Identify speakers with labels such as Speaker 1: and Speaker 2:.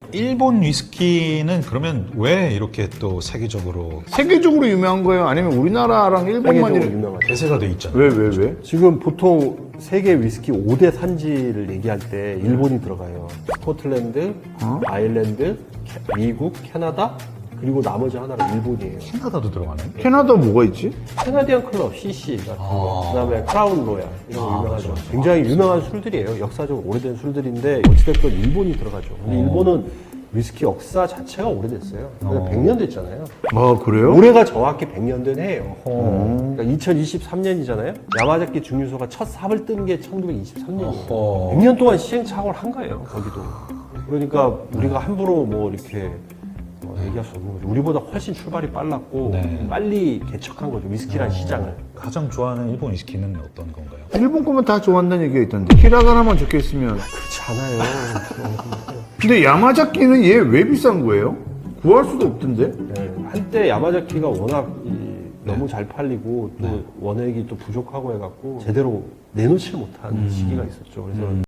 Speaker 1: 일본 위스키는 그러면 왜 이렇게 또 세계적으로
Speaker 2: 세계적으로 유명한 거예요? 아니면 우리나라랑 일본만
Speaker 3: 세계적으로
Speaker 2: 이렇게
Speaker 3: 유명하죠.
Speaker 1: 대세가 돼 있잖아요.
Speaker 2: 왜?
Speaker 3: 지금 보통 세계 위스키 5대 산지를 얘기할 때 일본이 들어가요. 스코틀랜드, 아일랜드, 미국, 캐나다, 그리고 나머지 하나가 일본이에요.
Speaker 1: 캐나다도 들어가네.
Speaker 2: 캐나다 뭐가 있지?
Speaker 3: 캐나디안 클럽, CC 같은 거, 그다음에 크라운 로얄 이런 거 유명하죠. 굉장히 유명한 술들이에요. 역사적으로 오래된 술들인데 어찌됐건 일본이 들어가죠. 근데 일본은 위스키 역사 자체가 오래됐어요. 100년 됐잖아요.
Speaker 2: 아 그래요?
Speaker 3: 올해가 정확히 100년 된 해예요. 그러니까 2023년이잖아요. 야마자키 증류소가 첫 삽을 뜬 게 1923년이에요. 100년 동안 시행착오를 한 거예요. 거기도. 그러니까 우리가 함부로 뭐 이렇게 얘기할 수 없는 거죠. 우리보다 훨씬 출발이 빨랐고
Speaker 1: 네.
Speaker 3: 빨리 개척한 거죠. 위스키란 시장을.
Speaker 1: 가장 좋아하는 일본 위스키는 어떤 건가요?
Speaker 2: 일본 거면 다 좋아한다는 얘기가 있던데 히라가나만 적혀있으면.
Speaker 3: 그렇지 않아요.
Speaker 2: 근데 야마자키는 얘 왜 비싼 거예요? 구할 수도 없던데?
Speaker 3: 네, 한때 야마자키가 워낙 너무 잘 팔리고 또 원액이 또 부족하고 해갖고 제대로 내놓지 못한 시기가 있었죠. 그래서